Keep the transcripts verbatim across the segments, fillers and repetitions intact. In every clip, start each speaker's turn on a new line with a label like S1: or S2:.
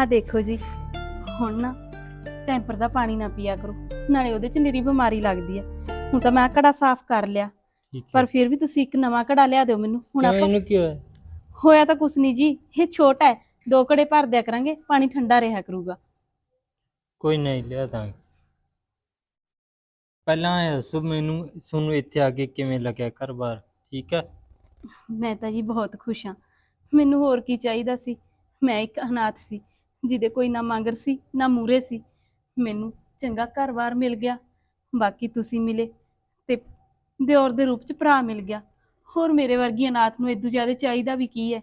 S1: ਆਹ ਦੇਖੋ ਜੀ, ਹੁਣ ਨਾ ਟੈਂਪਰ ਦਾ ਪਾਣੀ ਨਾ ਪੀਆ ਕਰੋ, ਨਾਲੇ ਉਹਦੇ ਚ ਨਿਰੀ ਬਿਮਾਰੀ ਲੱਗਦੀ ਹੈ। ਹੁਣ ਤਾਂ ਮੈਂ ਘੜਾ ਸਾਫ਼ ਕਰ ਲਿਆ, ਪਰ ਫਿਰ ਵੀ ਤੁਸੀਂ ਇੱਕ ਨਵਾਂ ਘੜਾ ਲਿਆ ਦਿਓ ਮੈਨੂੰ। ਹੁਣ ਆਪਾਂ
S2: ਇਹਨੂੰ ਕੀ ਹੋਇਆ?
S1: ਹੋਇਆ ਤਾਂ ਕੁਛ ਨਹੀਂ ਜੀ, ਇਹ ਛੋਟਾ ਹੈ, ਦੋ ਘੜੇ ਭਰ ਦਿਆ ਕਰਾਂਗੇ, ਪਾਣੀ ਠੰਡਾ ਰਿਹਾ ਕਰੂਗਾ।
S2: ਕੋਈ ਨਹੀਂ ਲਿਆ ਦਾਂਗੇ। ਪਹਿਲਾਂ ਇਹ ਦੱਸੋ ਮੈਨੂੰ, ਤੁਹਾਨੂੰ ਇੱਥੇ ਆ ਕੇ ਕਿਵੇਂ ਲੱਗਿਆ ਘਰ-ਬਾਰ? ਠੀਕ ਹੈ?
S1: ਮੈਂ ਤਾਂ ਜੀ ਬਹੁਤ ਖੁਸ਼ ਹਾਂ, ਮੈਨੂੰ ਹੋਰ ਕੀ ਚਾਹੀਦਾ ਸੀ। ਮੈਂ ਇੱਕ ਅਨਾਥ ਸੀ ਜਿਹਦੇ ਕੋਈ ਨਾ ਮੰਗਰ ਸੀ ਨਾ ਮੂਰੇ ਸੀ, ਮੈਨੂੰ ਚੰਗਾ ਘਰ-ਬਾਰ ਮਿਲ ਗਿਆ, ਬਾਕੀ ਤੁਸੀਂ ਮਿਲੇ ਤੇ ਦਿਓਰ ਦੇ ਰੂਪ ਚ ਭਰਾ ਮਿਲ ਗਿਆ। ਹੋਰ ਮੇਰੇ ਵਰਗੀ ਅਨਾਥ ਨੂੰ ਇਦੋਂ ਜ਼ਿਆਦਾ ਚਾਹੀਦਾ ਵੀ ਕੀ ਹੈ।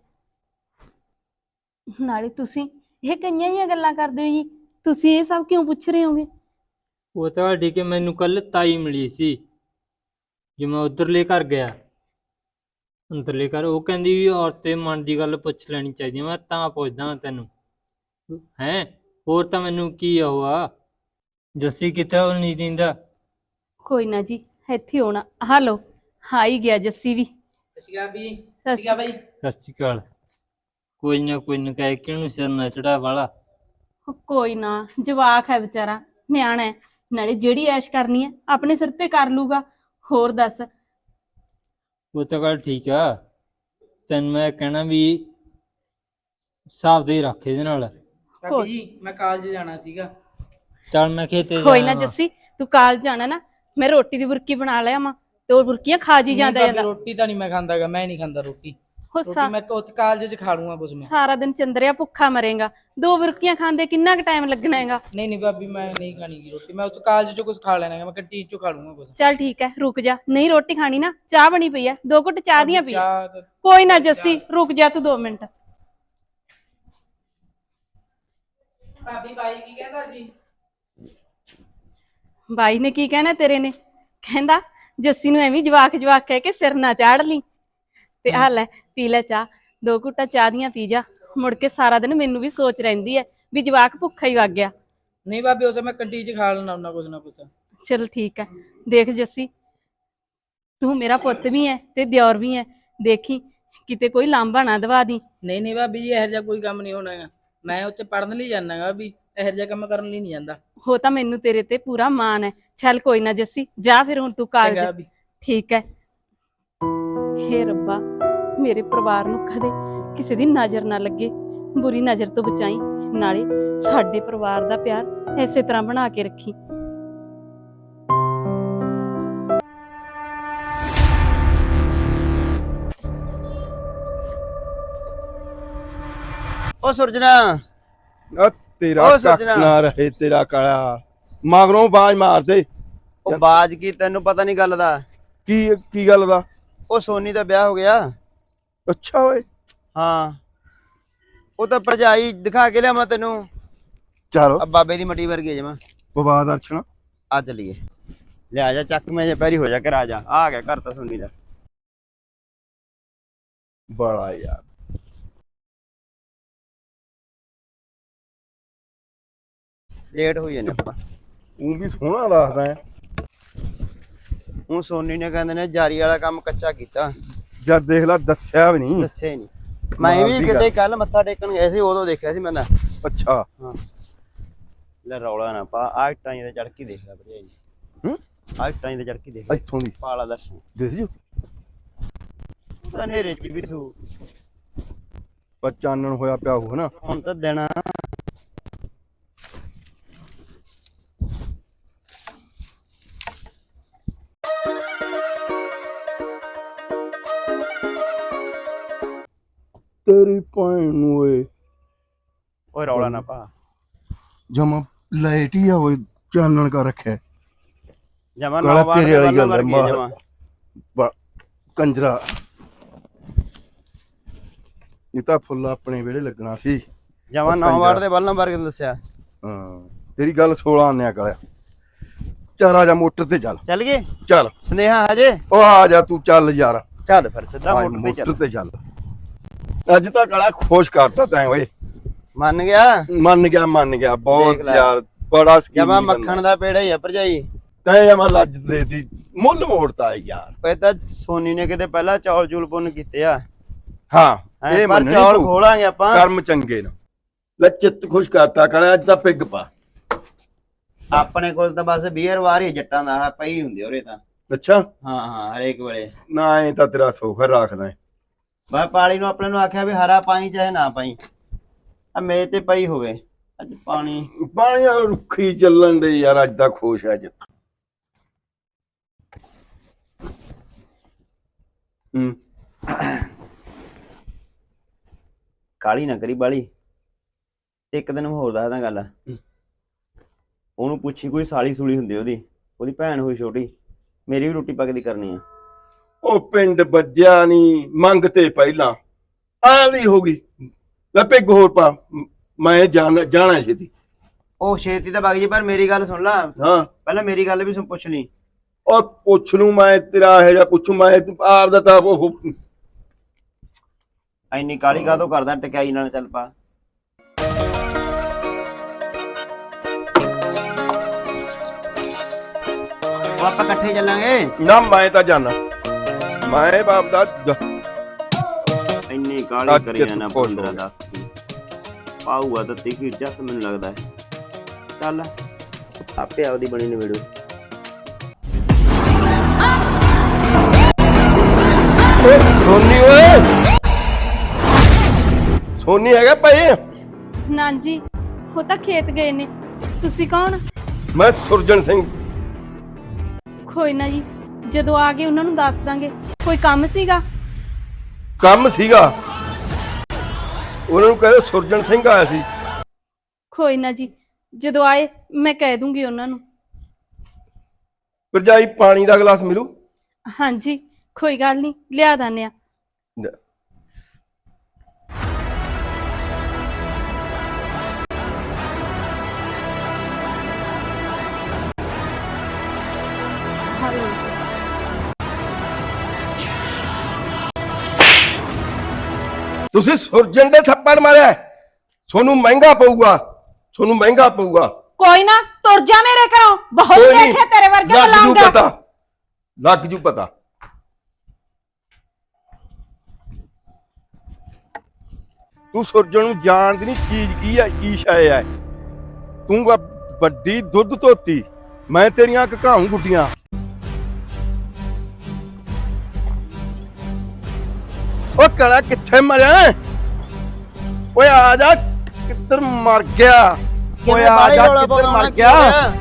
S1: ਨਾਲੇ ਤੁਸੀਂ ਇਹ ਕਈਆਂ ਜਿਹੀਆਂ ਗੱਲਾਂ ਕਰਦੇ ਹੋ ਜੀ, ਤੁਸੀਂ ਇਹ ਸਭ ਕਿਉਂ ਪੁੱਛ ਰਹੇ ਹੋਗੇ?
S2: ਉਹ ਤਾਂ ਠੀਕ ਹੈ, ਮੈਨੂੰ ਕੱਲ ਤਾਈ ਮਿਲੀ ਸੀ ਜੇ ਮੈਂ ਉਧਰਲੇ ਘਰ ਗਿਆ, ਅੰਦਰਲੇ ਘਰ। ਉਹ ਕਹਿੰਦੀ ਵੀ ਔਰਤ ਦੇ ਮਨ ਦੀ ਗੱਲ ਪੁੱਛ ਲੈਣੀ ਚਾਹੀਦੀ ਹੈ। ਮੈਂ ਤਾਂ ਪੁੱਛਦਾ ਤੈਨੂੰ ਹੈਂ, ਹੋਰ ਤਾਂ ਮੈਨੂੰ ਕੀ ਉਹ ਆ। ਜੱਸੀ ਕਿੱਥੇ? ਉਹ ਨਹੀਂ ਦਿੰਦਾ।
S1: ਕੋਈ ਨਾ ਜੀ, ਇੱਥੇ ਹੋਣਾ। ਹਾਲੋ, ਆ ਹੀ ਗਿਆ ਜੱਸੀ ਵੀ।
S3: ਸਤਿ ਸ਼੍ਰੀ ਅਕਾਲ ਬਾਈ।
S2: ਸਤਿ ਸ਼੍ਰੀ ਅਕਾਲ। ਕੋਈ ਨਾ ਕੋਈ ਨਾ ਕਹਿ ਕੇ ਉਹਨੂੰ ਸਿਰ ਨਾ ਚੜਾ ਵਾਲਾ।
S1: ਕੋਈ ਨਾ, ਜਵਾਕ ਹੈ ਵਿਚਾਰਾ, ਨਿਆਣਾ ਹੈ, ਨਾਲੇ ਜਿਹੜੀ ਐਸ਼ ਕਰਨੀ ਹੈ ਆਪਣੇ ਸਿਰ ਤੇ ਕਰ ਲੂਗਾ। ਹੋਰ ਦੱਸ?
S2: ਉਹ ਤਾਂ ਗੱਲ ਠੀਕ ਆ, ਤੈਨੂੰ ਮੈਂ ਕਹਿਣਾ ਵੀ ਹਿਸਾਬ ਦੇ ਰੱਖ ਇਹਦੇ ਨਾਲ।
S3: ਭਾਬੀ ਜੀ ਮੈਂ ਕਾਲਜ ਜਾਣਾ ਸੀਗਾ।
S2: ਚੱਲ ਮੈਂ ਖੇਤੇ
S1: ਕੋਈ ਨਾ
S2: ਜਾਣਾ ਵਾ।
S1: ਜੱਸੀ, ਤੂੰ ਕਾਲਜ ਜਾਣਾ ਨਾ, ਮੈਂ ਰੋਟੀ ਦੀ ਬੁਰਕੀ ਬਣਾ ਲਿਆ ਮਾਂ, ਤੇ ਉਹ ਬੁਰਕੀਆਂ ਖਾ ਜੀ ਜਾਂਦਾ
S3: ਨਹੀਂ ਭਾਬੀ,
S1: ਜਾਂਦਾ।
S3: ਰੋਟੀ ਤਾਂ ਨਹੀਂ ਮੈਂ ਖਾਂਦਾਗਾ, ਮੈਂ ਨਹੀਂ ਖਾਂਦਾ ਰੋਟੀ।
S1: ਹੋ
S3: ਰੋਟੀ
S1: ਸਾ
S3: ਮੈਂ ਉੱਥੇ ਕਾਲਜ 'ਚ ਖਾ ਲੂੰਗਾ ਕੁਛ ਮੈਂ।
S1: ਸਾਰਾ ਦਿਨ ਚੰਦਰਿਆ ਭੁੱਖਾ ਮਰੇਗਾ, ਦੋ ਬੁਰਕੀਆਂ ਖਾਂਦੇ ਕਿੰਨਾ ਕੁ ਟਾਈਮ ਲੱਗਣਾ ਹੈਗਾ?
S3: ਨਹੀਂ ਨਹੀਂ ਭਾਬੀ, ਮੈਂ ਨਹੀਂ ਖਾਣੀ ਗੀ ਰੋਟੀ। ਮੈਂ ਉੱਥੇ ਕਾਲਜ 'ਚੋਂ ਕੁਝ ਖਾ ਲੈਣਾ ਹੈ, ਮੈਂ ਕੰਟੀਨ 'ਚੋਂ ਖਾ ਲੂੰਗਾ ਕੁਛ।
S1: ਚੱਲ ਠੀਕ ਹੈ, ਰੁਕ ਜਾ। ਨਹੀਂ ਰੋਟੀ ਖਾਣੀ ਨਾ, ਚਾਹ ਬਣੀ ਪਈ ਹੈ, ਦੋ ਘੁੱਟ ਚਾਹ ਦੀਆਂ ਪੀ।
S3: ਚਾਹ ਤਾਂ-
S1: ਕੋਈ ਨਾ ਜੱਸੀ, ਰੁਕ ਜਾ ਤੂੰ ਦੋ ਮਿੰਟ।
S3: ਭਾਬੀ ਬਾਈ ਕੀ ਕਹਿੰਦਾ ਸੀ?
S1: ਬਾਈ ਨੇ ਕੀ ਕਹਿਣਾ ਤੇਰੇ ਨੇ? ਕਹਿੰਦਾ ਜੱਸੀ ਨੂੰ ਐਵੇਂ ਜਵਾਕ ਜਵਾਕ ਕਹਿ ਕੇ ਸਿਰ ਨਾ ਚਾੜ ਲਈ। ਤੇ ਆ ਲੈ ਪੀ ਲੈ ਚਾਹ, ਦੋ ਘੁੱਟਾਂ ਚਾਹ ਦੀਆਂ ਪੀ ਜਾ। ਮੁੜ ਕੇ ਸਾਰਾ ਦਿਨ ਮੈਨੂੰ ਵੀ ਸੋਚ ਰਹਿੰਦੀ ਹੈ ਵੀ ਜਵਾਕ ਭੁੱਖਾ ਹੀ ਵਗ ਗਿਆ।
S3: ਨਹੀਂ ਭਾਬੀ, ਉਹ ਤਾਂ ਮੈਂ ਕੰਟੀਨ 'ਚ ਖਾ ਲੈਣਾ ਹੁੰਦਾ ਕੁਛ ਨਾ ਕੁਛ।
S1: ਚਲ ਠੀਕ ਹੈ। ਦੇਖ ਜੱਸੀ, ਤੂੰ ਮੇਰਾ ਪੁੱਤ ਵੀ ਹੈ ਤੇ ਦਿਓਰ ਵੀ ਹੈ, ਦੇਖੀ ਕਿਤੇ ਕੋਈ ਲਾਂਭਾ ਨਾ ਦਵਾ ਦੀ।
S3: ਨਹੀਂ ਨਹੀਂ ਭਾਬੀ ਜੀ, ਇਹੋ ਜਿਹਾ ਕੋਈ ਕੰਮ ਨਹੀਂ ਹੋਣਾ ਹੈਗਾ। ਮੈਂ ਉੱਥੇ ਪੜ੍ਹਨ ਲਈ ਜਾਣਾ ਗਾ ਵੀ, ਇਹੋ ਜਿਹਾ ਕੰਮ ਕਰਨ ਲਈ ਨਹੀਂ ਜਾਂਦਾ।
S1: ਹੋ ਤਾਂ ਮੈਨੂੰ ਤੇਰੇ ਤੇ ਪੂਰਾ ਮਾਣ ਹੈ। ਚੱਲ ਕੋਈ ਨਾ ਜੱਸੀ, ਜਾ ਫਿਰ ਹੁਣ ਤੂੰ ਕਾਲਜ।
S3: ਚੰਗਾ ਭਾਬੀ।
S1: ਠੀਕ ਹੈ। ਹੇ ਰੱਬਾ, ਮੇਰੇ ਪਰਿਵਾਰ ਨੂੰ ਕਦੇ ਕਿਸੇ ਦੀ ਨਜ਼ਰ ਨਾ ਲੱਗੇ, ਬੁਰੀ ਨਜ਼ਰ ਤੋਂ ਬਚਾਈ, ਨਾਲੇ ਸਾਡੇ ਪਰਿਵਾਰ ਦਾ ਪਿਆਰ ਐਸੇ ਤਰ੍ਹਾਂ ਬਣਾ ਕੇ ਰੱਖੀ।
S4: ਓ ਸੁਰਜਣਾ,
S5: ਆ ਤੇਰਾ
S4: ਓ
S5: ਕੱਖ
S4: ਸੱਜਣਾ।
S5: ਨਾ ਰਹੇ ਤੇਰਾ ਕਾਲਾ, ਮਗਰੋਂ ਬਾਜ ਮਾਰਦੇ।
S4: ਉਹ ਬਾਜ ਕੀ, ਤੈਨੂੰ ਪਤਾ ਨਹੀਂ ਗੱਲ ਦਾ?
S5: ਕੀ ਕੀ ਗੱਲ ਦਾ?
S4: ਉਹ ਸੋਨੀ ਦਾ ਵਿਆਹ ਹੋ ਗਿਆ।
S5: ਅੱਛਾ ਓਏ,
S4: ਹਾਂ, ਉਹ ਤਾਂ ਭਰਜਾਈ ਦਿਖਾ ਕੇ ਲਿਆ ਮੈਂ ਤੈਨੂੰ।
S5: ਚਲੋ
S4: ਆ ਬਾਬੇ ਦੀ ਮੱਟੀ ਵਰਗੀ ਜਮਾ।
S5: ਬਵਾ ਦਰਸ਼ਨ।
S4: ਆ ਚਲੀਏ, ਲਿਆ ਜਾ ਚੱਕ ਮੈਂ ਜੇ ਪੈਰੀ ਹੋ ਜਾ ਕੇ ਰਾਜਾ। ਆ ਗਿਆ ਘਰ ਤਾਂ ਸੋਨੀ ਦਾ।
S5: ਬੜਾ ਯਾਰ,
S4: ਲੇਟ ਹੋਈ ਜਾਂਦਾ ਆਪਾਂ।
S5: ਉਹ ਵੀ ਸੋਹਣਾ ਲੱਗਦਾ ਹੈ।
S4: ਹੁਣ ਸੋਨੀ ਨੇ ਕਹਿੰਦੇ ਨੇ ਜਾਰੀ ਵਾਲਾ ਕੰਮ ਕੱਚਾ ਕੀਤਾ,
S5: ਜਦ ਦੇਖ ਲੈ ਦੱਸਿਆ ਵੀ ਨਹੀਂ।
S4: ਦੱਸਿਆ ਹੀ ਨਹੀਂ। ਮੈਂ ਵੀ ਕਿਤੇ ਕੱਲ ਮੱਥਾ ਟੇਕਣ ਗਏ ਸੀ, ਉਦੋਂ ਦੇਖਿਆ ਸੀ ਮੈਂ ਤਾਂ।
S5: ਅੱਛਾ
S4: ਹਾਂ, ਲੈ ਰੌਲਾ ਨਾ ਪਾ। ਆ ਇੱਟਾਂ ਤੇ ਚੜ ਕੇ ਦੇਖ ਲੈ ਭਰਜਾਈ।
S5: ਹੂੰ,
S4: ਆ ਇੱਟਾਂ ਤੇ ਚੜ ਕੇ ਦੇਖ ਲੈ,
S5: ਇੱਥੋਂ ਦੀ
S4: ਪਾਲਾ ਦਰਸ਼ਨ।
S5: ਦੇਖ ਜੀ
S4: ਤਾਂ ਨੇਰੇ ਚ ਵੀ ਸੂ।
S5: ਪਰ ਚਾਨਣ ਹੋਇਆ ਪਿਆ ਉਹ ਨਾ।
S4: ਹੁਣ ਤਾਂ ਦੇਣਾ।
S5: ਤੇਰੀ ਭੈਣ ਨੂੰ ਓਏ,
S4: ਓਏ ਰੌਲਾ ਨਾ ਪਾ।
S5: ਜਮਾ ਲਾਈਟ ਹੀ ਆ ਓਏ, ਚਾਨਣ ਕਰ ਰੱਖਿਆ
S4: ਜਮਾ
S5: ਕਾਲਾ
S4: ਨਾ ਵਾਰ
S5: ਤੇਰੇ
S4: ਦੇ
S5: ਵਾਲੀ
S4: ਵਾਲਾ
S5: ਗੱਲ
S4: ਮਰ
S5: ਹੈ,
S4: ਗਈ
S5: ਮਾਰ।
S4: ਜਮਾ।
S5: ਬਾ- ਕੰਜਰਾ, ਇਹ ਤਾਂ ਫੁੱਲ ਆਪਣੇ ਵਿਹੜੇ ਲੱਗਣਾ ਸੀ।
S4: ਜਮਾ ਨੌ ਵਾਰ ਦੇ ਵੱਲ ਨੰਬਰ ਕਿਉਂ ਦੱਸਿਆ?
S5: ਹਾਂ, ਤੇਰੀ ਗੱਲ ਸੋਲਾਂ ਆਨਿਆ ਕਾਲਿਆ। ਚੱਲ ਆ ਜਾ ਮੋਟਰ ਤੇ ਚੱਲ।
S4: ਚੱਲ ਗਏ
S5: ਚੱਲ
S4: ਸੰਦੇਹਾ ਹਜੇ?
S5: ਉਹ ਆ ਜਾ ਤੂੰ, ਚੱਲ ਯਾਰ
S4: ਚੱਲ ਫਿਰ ਸਿੱਧਾ
S5: ਆ
S4: ਮੋਟਰ ਤੇ
S5: ਮੋਟਰ
S4: ਚੱਲ।
S5: ਤੇ ਚੱਲ। ਅੱਜ ਤਾਂ ਕਾਲਾ ਖੁਸ਼ ਕਰਤਾ ਤੈਂ ਓਏ।
S4: ਮੰਨ ਗਿਆ?
S5: ਮੰਨ ਗਿਆ ਮੰਨ ਗਿਆ, ਬਹੁਤ
S4: ਦੇਖ ਲੈ।
S5: ਯਾਰ ਬੜਾ ਸਕੀਮ।
S4: ਜਮਾ ਮੱਖਣ ਦਾ ਪੇੜਾ ਹੀ ਆ ਭਰਜਾਈ।
S5: ਤੈਂ ਜਮਾ ਲੱਜ ਦੇਤੀ, ਮੁੱਲ ਮੋੜਤਾ ਯਾਰ।
S4: ਇਹ ਤਾਂ ਸੋਨੀ ਨੇ ਕਿਤੇ ਪਹਿਲਾਂ ਚੌਲ ਚੂਲ ਪੁੰਨ ਕੀਤੇ ਆ।
S5: ਹਾਂ,
S4: ਹੈਂ,
S5: ਇਹ
S4: ਪਰ
S5: ਮੰਨਣੀ
S4: ਚੌਲ
S5: ਪਊ।
S4: ਖੋਲਾਂਗੇ ਆਪਾਂ।
S5: ਕਰਮ ਚੰਗੇ ਨਾ, ਲੈ ਚਿੱਤ ਖੁਸ਼ ਕਰਤਾ ਕਾਲਿਆ, ਅੱਜ ਤਾਂ ਪਿੱਗ ਪਾ।
S4: ਆਪਣੇ ਕੋਲ ਤਾਂ ਬਸ ਬੀਅਰ ਵਾਰ ਹੀ ਜੱਟਾਂ ਦਾ ਆਹ ਪਈ ਹੁੰਦੀ ਉਰੇ ਤਾਂ।
S5: ਅੱਛਾ
S4: ਹਾਂ ਹਾਂ ਹਰੇਕ ਵੇਲੇ।
S5: ਨਾ ਇਹ ਤਾਂ ਤੇਰਾ ਸੋਖਰ ਰੱਖਦਾ ਹੈ।
S4: ਮੈਂ ਪਾਲੀ ਨੂੰ ਆਪਣੇ ਨੂੰ ਆਖਿਆ ਵੀ ਹਰਾ ਪਾਈ ਚਾਹੇ ਨਾ ਪਾਈ, ਆ ਮੇਜ਼ ਤੇ ਪਈ ਹੋਵੇ ਅੱਜ ਪਾਣੀ।
S5: ਪਾਣੀ ਆ ਰੁੱਖੀ ਚੱਲਣ ਦੇ ਯਾਰ, ਅੱਜ ਤਾਂ ਖੁਸ਼ ਹੈ ਜਿੱਤ। ਹੂੰ
S4: ਕਾਲੀ ਨਾ ਕਰੀ ਬਾਲੀ। ਇੱਕ ਦਿਨ ਮੈਂ ਹੋਰ ਦੱਸਦਾ ਗੱਲ। ਉਹਨੂੰ ਪੁੱਛੀ ਕੋਈ ਸਾਲੀ ਸੂਲੀ ਹੁੰਦੀ ਉਹਦੀ, ਉਹਦੀ ਭੈਣ ਹੋਈ ਛੋਟੀ, ਮੇਰੀ ਵੀ ਰੋਟੀ ਪੱਕਦੀ ਕਰਨੀ ਆ।
S5: ਉਹ ਪਿੰਡ ਵੱਜਿਆ ਨਹੀਂ ਮੰਗ ਤੇ ਪਹਿਲਾਂ ਆਲੀ ਹੋ ਗਈ। ਲੈ ਪਿੱਗ ਹੋਰ ਪਾ, ਮੈਂ ਜਾਣ ਜਾਣਾ ਛੇਤੀ।
S4: ਉਹ ਛੇਤੀ ਤਾਂ ਵਗ ਜੀ, ਪਰ ਮੇਰੀ ਗੱਲ ਸੁਣ ਲਾ।
S5: ਹਾਂ
S4: ਪਹਿਲਾਂ ਮੇਰੀ ਗੱਲ ਵੀ ਸੁਣ, ਪੁੱਛ ਲਈ।
S5: ਉਹ ਪੁੱਛ ਲੂ ਮੈਂ, ਤੇਰਾ ਇਹੋ ਜਿਹਾ ਪੁੱਛੂ ਮੈਂ, ਆਪ ਦਾ ਤਾਂ ਉਹ
S4: ਐਨੀ ਕਾਲੀ ਕਾਹਤੋਂ ਕਰਦਾ, ਟਕਿਆਈ ਨਾਲ ਚੱਲ ਪਾ। ਉਹ ਆਪਾਂ ਇਕੱਠੇ ਚੱਲਾਂਗੇ।
S5: ਨਾ ਮੈਂ ਤਾਂ ਜਾਣਾ, ਮੈਂ ਬਾਪ ਦਾ
S4: ਇੰਨੀ ਕਾਲੀ
S5: ਅੱਜ
S4: ਕਰੀ
S5: ਚਿੱਤ
S4: ਜਾਣਾ।
S5: ਖੁਸ਼ ਹੋ
S4: ਪੰਦਰਾਂ
S5: ਗਿਆ।
S4: ਦਸ ਕੀ ਪਾਊਗਾ ਤਾਂ ਤਿੱਖੀ ਜੱਸ ਮੈਨੂੰ ਲੱਗਦਾ ਹੈ। ਚੱਲ ਆਪੇ ਆਪਦੀ ਬਣੀ ਨਿਬੜੂ।
S5: ਓਏ ਸੋਨੀ, ਓਏ ਸੋਨੀ ਹੈਗਾ ਭਾਈ?
S1: ਨਾ ਜੀ, ਉਹ ਤਾਂ ਖੇਤ ਗਏ ਨੇ। ਤੁਸੀਂ ਕੌਣ?
S5: ਮੈਂ ਸੁਰਜਣ ਸਿੰਘ।
S1: ਕੋਈ ਨਾ ਜੀ, ਜਦੋਂ ਆ ਗਏ ਉਹਨਾਂ ਨੂੰ ਦੱਸ ਦਾਂਗੇ। ਕੋਈ ਕੰਮ ਸੀਗਾ?
S5: ਕੰਮ ਸੀਗਾ, ਉਹਨਾਂ ਨੂੰ ਕਹਿੰਦੇ ਸੁਰਜਣ ਸਿੰਘ ਆਇਆ ਸੀ।
S1: ਕੋਈ ਨਾ ਜੀ, ਜਦੋਂ ਆਏ ਮੈਂ ਕਹਿ ਦੂੰਗੀ ਉਹਨਾਂ ਨੂੰ।
S5: ਭਰਜਾਈ ਪਾਣੀ ਦਾ ਗਲਾਸ ਮਿਲੂ?
S1: ਹਾਂਜੀ ਕੋਈ ਗੱਲ ਨਹੀਂ, ਲਿਆ ਦਾਨੇ ਆ। ਹਾਲੋ ਜੀ।
S5: ਤੁਸੀਂ ਸੁਰਜਣ ਦੇ ਥੱਪੜ ਮਾਰਿਆ, ਤੁਹਾਨੂੰ ਮਹਿੰਗਾ ਪਊਗਾ, ਤੁਹਾਨੂੰ ਮਹਿੰਗਾ ਪਊਗਾ।
S1: ਕੋਈ ਨਾ, ਤੁਰ ਜਾ ਮੇਰੇ ਘਰੋਂ। ਬਹੁਤ
S5: ਕੋਈ ਨੀ,
S1: ਦੇਖਿਆ ਤੇਰੇ ਵਰਗੇ
S5: ਲੱਗ ਜੂ
S1: ਬੁਲਾਉਂਗਾ।
S5: ਪਤਾ, ਲੱਗ ਜੂ ਪਤਾ। ਤੂੰ ਸੁਰਜਣ ਨੂੰ ਜਾਣਦੀ ਨਹੀਂ ਚੀਜ਼ ਕੀ ਹੈ, ਕੀ ਸ਼ੈ ਹੈ। ਤੂੰ ਵਾ ਵੱਡੀ ਦੁੱਧ ਧੋਤੀ, ਮੈਂ ਤੇਰੀਆਂ ਘਕਾਉਂ ਗੁੱਡੀਆਂ। ਓ ਕਲਾ ਕਿੱਥੇ ਮਰਿਆ? ਓਏ ਆ ਜਾ, ਕਿੱਧਰ ਮਰ ਗਿਆ? ਓਏ ਆ ਜਾ, ਕਿੱਧਰ ਮਰ ਗਿਆ?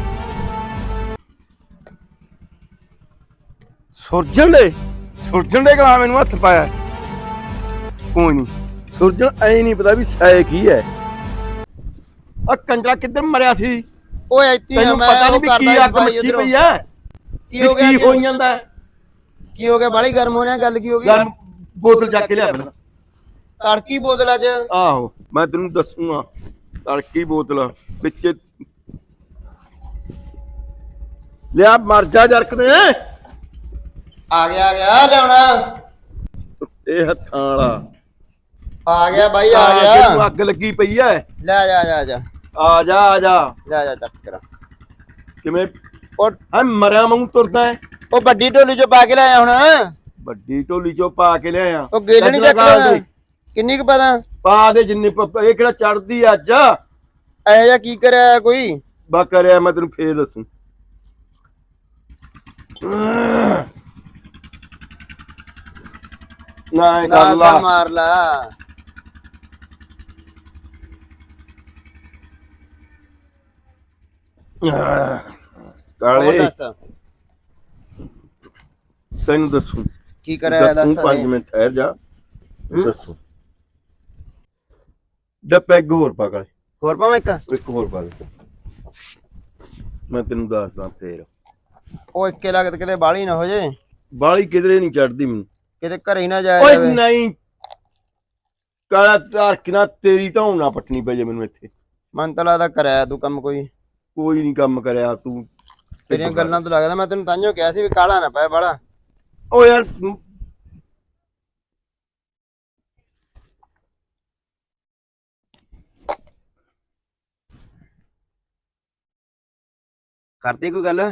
S5: ਸੁਰਜਣ ਦੇ ਸੁਰਜਣ ਦੇ ਗਲਾ ਮੈਨੂੰ ਹੱਥ ਪਾਇਆ। ਕੋਈ ਨਹੀਂ, ਸੁਰਜਣ ਐ ਨਹੀਂ ਪਤਾ ਵੀ ਸੈ ਕੀ ਹੈ। ਆ ਕੰਜਰਾ ਕਿੱਧਰ ਮਰਿਆ ਸੀ?
S4: ਓਏ ਇੱਥੇ
S5: ਤੈਨੂੰ ਪਤਾ ਨਹੀਂ ਵੀ ਕੀ ਅੱਗ ਮੱਚੀ ਪਈ ਐ?
S4: ਕੀ ਹੋ ਗਿਆ?
S5: ਕੀ ਹੋਈ ਜਾਂਦਾ?
S4: ਕੀ ਹੋ ਗਿਆ? ਬਾਲੀ ਗਰਮ ਹੋ ਰਿਹਾ, ਗੱਲ ਕੀ ਹੋ ਗਈ?
S5: ਯਾਰ ਬੋਤਲ ਚੱਕ ਕੇ ਲਿਆ ਪਹਿਲਾਂ।
S4: ਤੜਕੀ ਬੋਤਲ ਅੱਜ?
S5: ਆਹੋ ਮੈਂ ਤੈਨੂੰ ਦੱਸੂਗਾ। ਤੜਕੀ ਬੋਤਲ ਵਿੱਚ ਲਿਆ, ਮਰ ਜਾ ਜਰਕਦੇ।
S4: ਆ ਗਿਆ ਆ ਗਿਆ, ਲਿਆਉਣਾ।
S5: ਇਹ ਹੱਥਾਂ ਵਾਲਾ
S4: ਆ ਗਿਆ ਬਾਈ, ਆ
S5: ਆ
S4: ਗਿਆ।
S5: ਜਿਹਨੂੰ ਅੱਗ ਲੱਗੀ ਪਈ ਐ।
S4: ਲੈ ਜਾ ਜਾ ਜਾ
S5: ਆ ਜਾ ਆ ਜਾ।
S4: ਲੈ ਜਾ ਚੱਕ ਕਰਾ।
S5: ਕਿਵੇਂ
S4: ਉਹ
S5: ਹੈ ਮਰਿਆ ਮੂੰਹ ਤੁਰਦਾ ਹੈ?
S4: ਉਹ ਵੱਡੀ ਢੋਲੀ ਚੋਂ ਪਾ ਕੇ ਲਿਆਇਆ ਹੁਣ।
S5: ਵੱਡੀ ਢੋਲੀ ਚੋਂ ਪਾ ਕੇ ਲਿਆਇਆ।
S4: ਉਹ ਗੇਲ ਨਹੀਂ ਚੱਕਦਾ। ਕਿੰਨੀ ਕੁ ਪਤਾ?
S5: ਪਾ ਦੇ ਜਿੰਨੇ ਪ- ਇਹ ਕਿਹੜਾ ਚੜਦੀ ਅੱਜ?
S4: ਇਹੋ ਜਿਹਾ ਕੀ ਕਰਿਆ ਕੋਈ?
S5: ਬਾ ਕਰਿਆ, ਮੈਂ ਤੈਨੂੰ ਫੇਰ ਦੱਸੂ। ਨਾ ਇਹ ਕਰ ਲਾ,
S4: ਮਾਰ ਲਾ।
S5: ਕਾਲੇ
S4: ਦੱਸ
S5: ਤੈਨੂੰ ਦੱਸੂ।
S4: ਕੀ ਕਰਿਆ? ਦੱਸ
S5: ਦੱਸੂ,
S4: ਤਾਂ
S5: ਪੰਜ
S4: ਦੇ।
S5: ਮਿੰਟ ਠਹਿਰ ਜਾ, ਦੱਸੂ। ਦ ਪੈਗ ਹੋਰ ਪਾ ਕਾਲੇ,
S4: ਹੋਰ ਪਾਵਾਂ ਇੱਕ?
S5: ਇੱਕ ਹੋਰ ਪਾ ਦੇ, ਮੈਂ ਤੈਨੂੰ ਦੱਸਦਾ ਫੇਰ।
S4: ਉਹ ਇੱਕੇ ਲੱਗਤ ਕਿਤੇ ਬਾਲੀ ਨਾ ਹੋ ਜੇ।
S5: ਬਾਲੀ ਕਿਧਰੇ ਨਹੀਂ ਚੜਦੀ ਮੈਨੂੰ।
S4: ਕਿਤੇ ਘਰੇ ਹੀ ਨਾ ਜਾਇਆ
S5: ਓਏ
S4: ਜਾਵੇ।
S5: ਨਹੀਂ ਕਾਲਾ, ਧਾਰ ਕਿਨਾ ਤੇਰੀ ਧੌਣ ਨਾ ਪੱਟਣੀ ਪੈ ਜੇ ਮੈਨੂੰ ਇੱਥੇ।
S4: ਮਨ ਤਾਂ ਲੱਗਦਾ ਕਰਿਆ ਤੂੰ ਕੰਮ ਕੋਈ।
S5: ਕੋਈ ਨਹੀਂ ਕੰਮ ਕਰਿਆ ਤੂੰ।
S4: ਤੇਰੀਆਂ ਗੱਲਾਂ ਤੋਂ ਲੱਗਦਾ। ਮੈਂ ਤੈਨੂੰ ਤਾਂਹੀਓ ਕਿਹਾ ਸੀ ਵੀ ਕਾਲਾ ਨਾ ਪਏ ਬਾਲਾ।
S5: ਓ ਯਾਰ
S4: ਕਰਦੀ ਕੋਈ ਗੱਲ?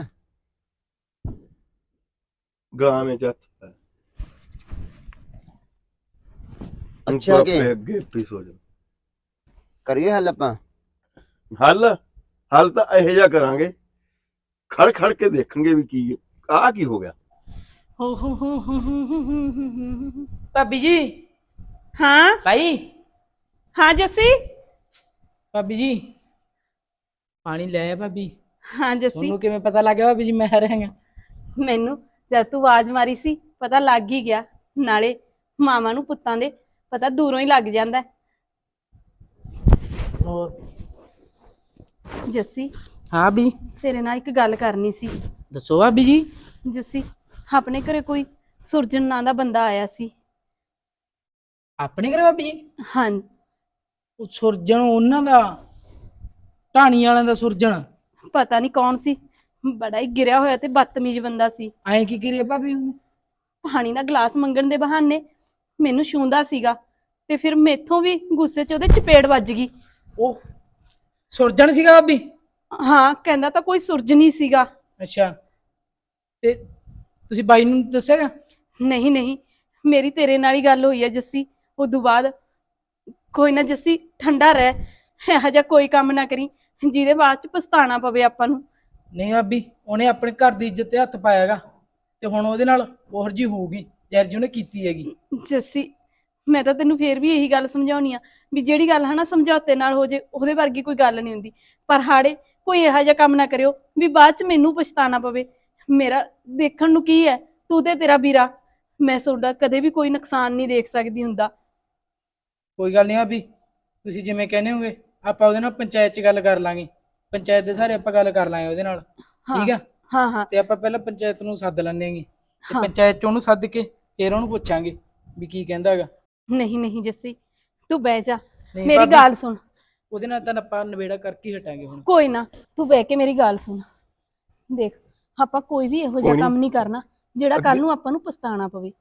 S5: ਗਾਂ ਵਿੱਚ ਹੱਥ ਪਾ।
S4: ਅੱਛਾ ਕਿ
S5: ਅੱਗੇ ਪਿੱਛੇ ਹੋ ਜਾ।
S4: ਕਰੀਏ ਹੱਲ ਆਪਾਂ।
S5: ਹੱਲ ਹੱਲ ਤਾਂ ਇਹੋ ਜਿਹਾ ਕਰਾਂਗੇ, ਖੜ ਖੜ ਕੇ ਦੇਖਣਗੇ ਵੀ ਕੀ ਆਹ ਕੀ ਹੋ ਗਿਆ।
S1: ਹੋ ਹੋ ਹੋ ਹੋ ਹੋ ਹੋ ਹੋ।
S3: ਭਾਬੀ ਜੀ,
S1: ਹਾਂ
S3: ਭਾਈ
S1: ਹਾਂ ਜੱਸੀ।
S3: ਭਾਬੀ ਜੀ ਪਾਣੀ ਲੈ ਆ ਭਾਬੀ।
S1: ਹਾਂ ਜੱਸੀ,
S3: ਤੁਹਾਨੂੰ ਕਿਵੇਂ ਪਤਾ ਲੱਗ ਗਿਆ ਭਾਬੀ ਜੀ ਮੈਂ ਆ ਰਿਹਾ ਹਾਂ?
S1: ਮੈਨੂੰ ਜਦ ਤੂੰ ਆਵਾਜ਼ ਮਾਰੀ ਸੀ ਪਤਾ ਲੱਗ ਹੀ ਗਿਆ। ਨਾਲੇ ਮਾਵਾਂ ਨੂੰ ਪੁੱਤਾਂ ਦੇ ਪਤਾ ਦੂਰੋਂ ਹੀ ਲੱਗ ਜਾਂਦਾ ਹੈ।
S3: ਹੋਰ
S1: ਜੱਸੀ,
S3: ਹਾਂ ਵੀ
S1: ਤੇਰੇ ਨਾਲ ਇੱਕ ਗੱਲ ਕਰਨੀ ਸੀ।
S3: ਦੱਸੋ ਭਾਬੀ ਜੀ।
S1: ਜੱਸੀ, ਆਪਣੇ ਘਰੇ ਕੋਈ ਸੁਰਜਨ ਨਾਂ ਦਾ ਬੰਦਾ ਆਇਆ ਸੀ।
S3: ਆਪਣੇ ਘਰੇ ਭਾਬੀ ਜੀ?
S1: ਹਾਂ,
S3: ਉਹ ਸੁਰਜਣ ਉਹਨਾਂ ਦਾ, ਢਾਣੀ ਵਾਲਿਆਂ ਦਾ ਸੁਰਜਣ?
S1: ਪਤਾ ਨਹੀਂ ਕੌਣ ਸੀ, ਬੜਾ ਹੀ ਗਿਰਿਆ ਹੋਇਆ ਤੇ ਬਦਤਮੀਜ਼ ਬੰਦਾ ਸੀ।
S3: ਐਂ ਕੀ ਕਰੀਏ ਭਾਬੀ ਉਹਨੇ?
S1: ਪਾਣੀ ਦਾ ਗਲਾਸ ਮੰਗਣ ਦੇ ਬਹਾਨੇ ਮੈਨੂੰ ਛੂੰਦਾ ਸੀਗਾ ਤੇ ਫਿਰ ਮੇਥੋਂ ਵੀ ਗੁੱਸੇ 'ਚ ਉਹਦੇ ਚਪੇੜ ਵੱਜ ਗਈ।
S3: ਉਹ ਸੁਰਜਣ ਸੀਗਾ ਭਾਬੀ?
S1: ਹਾਂ, ਕਹਿੰਦਾ ਤਾਂ ਕੋਈ ਸੁਰਜਨ ਹੀ ਸੀਗਾ।
S3: ਅੱਛਾ, ਤੇ ਤੁਸੀਂ ਬਾਈ ਨੂੰ ਦੱਸਿਆਗਾ?
S1: ਨਹੀਂ ਨਹੀਂ, ਮੇਰੀ ਤੇਰੇ ਨਾਲ ਹੀ ਗੱਲ ਹੋਈ ਹੈ ਜੱਸੀ। ਉਦੋਂ ਬਾਅਦ ਕੋਈ ਨਾ ਜੱਸੀ, ਠੰਡਾ ਰਹਿ, ਇਹੋ ਜਿਹਾ ਕੋਈ ਕੰਮ ਨਾ ਕਰੀ ਜਿਹਦੇ ਬਾਅਦ ਚ ਪਛਤਾਣਾ ਪਵੇ ਆਪਾਂ ਨੂੰ।
S3: ਨਹੀਂ ਭਾਬੀ, ਉਹਨੇ ਆਪਣੇ ਘਰ ਦੀ ਇੱਜ਼ਤ ਤੇ ਹੱਥ ਪਾਇਆਗਾ ਤੇ ਹੁਣ ਉਹਦੇ ਨਾਲ ਉਹੋ ਜਿਹੀ ਹੋਊਗੀ ਯਾਰ ਜੀ ਉਹਨੇ ਕੀਤੀ ਹੈਗੀ।
S1: ਜੱਸੀ, ਮੈਂ ਤਾਂ ਤੈਨੂੰ ਫੇਰ ਵੀ ਇਹੀ ਗੱਲ ਸਮਝਾਉਣੀ ਆ ਵੀ ਜਿਹੜੀ ਗੱਲ ਹੈ ਨਾ ਸਮਝੌਤੇ ਨਾਲ ਹੋ ਜੇ, ਉਹਦੇ ਵਰਗੀ ਕੋਈ ਗੱਲ ਨਹੀਂ ਹੁੰਦੀ। ਪਰ ਹਾੜੇ ਕੋਈ ਇਹੋ ਜਿਹਾ ਕੰਮ ਨਾ ਕਰਿਓ ਵੀ ਬਾਅਦ ਚ ਮੈਨੂੰ ਪਛਤਾਣਾ ਪਵੇ। ਮੇਰਾ ਦੇਖਣ ਨੂੰ ਕੀ ਹੈ, ਤੂੰ ਤੇ ਤੇਰਾ ਵੀਰਾ, ਮੈਂ ਤੁਹਾਡਾ ਕਦੇ ਵੀ ਕੋਈ ਨੁਕਸਾਨ ਨਹੀਂ ਦੇਖ ਸਕਦੀ ਹੁੰਦਾ।
S3: ਕੋਈ ਗੱਲ ਨਹੀਂ ਭਾਬੀ, ਤੁਸੀਂ ਜਿਵੇਂ ਕਹਿੰਦੇ ਹੋਗੇ ਆਪਾਂ ਉਹਦੇ ਨਾਲ ਪੰਚਾਇਤ 'ਚ ਗੱਲ ਕਰ ਲਾਂਗੇ। ਪੰਚਾਇਤ ਦੇ ਸਾਰੇ ਆਪਾਂ ਗੱਲ ਕਰ ਲਾਂਗੇ ਉਹਦੇ ਨਾਲ, ਠੀਕ ਆ?
S1: ਹਾਂ ਹਾਂ,
S3: ਤੇ ਆਪਾਂ ਪਹਿਲਾਂ ਪੰਚਾਇਤ ਨੂੰ ਸੱਦ ਲੈਂਦੇ ਹੈਗੇ ਤੇ
S1: ਹਾਂ।
S3: ਪੰਚਾਇਤ 'ਚ ਉਹਨੂੰ ਸੱਦ ਕੇ ਫਿਰ ਉਹਨੂੰ ਪੁੱਛਾਂਗੇ ਵੀ ਕੀ ਕਹਿੰਦਾ ਹੈਗਾ।
S1: ਨਹੀਂ ਨਹੀਂ ਜੱਸੀ, ਤੂੰ ਬਹਿ ਜਾ,
S3: ਨਹੀਂ
S1: ਮੇਰੀ
S3: ਭਾਬੀ,
S1: ਗੱਲ ਸੁਣ।
S3: ਉਹਦੇ ਨਾਲ ਤਾਂ ਆਪਾਂ ਨਵੇੜਾ ਕਰਕੇ ਹੀ ਹਟਾਂਗੇ ਹੁਣ।
S1: ਕੋਈ ਨਾ, ਤੂੰ ਬਹਿ ਕੇ ਮੇਰੀ ਗੱਲ ਸੁਣ। ਦੇਖ, ਆਪਾਂ ਕੋਈ ਵੀ ਇਹੋ ਜਿਹਾ
S5: ਕੋਈ ਨੀ।
S1: ਕੰਮ ਨਹੀਂ ਕਰਨਾ ਜਿਹੜਾ ਕੱਲ
S5: ਅੱਗੇ-
S1: ਨੂੰ ਆਪਾਂ ਨੂੰ ਪਛਤਾਣਾ ਪਵੇ।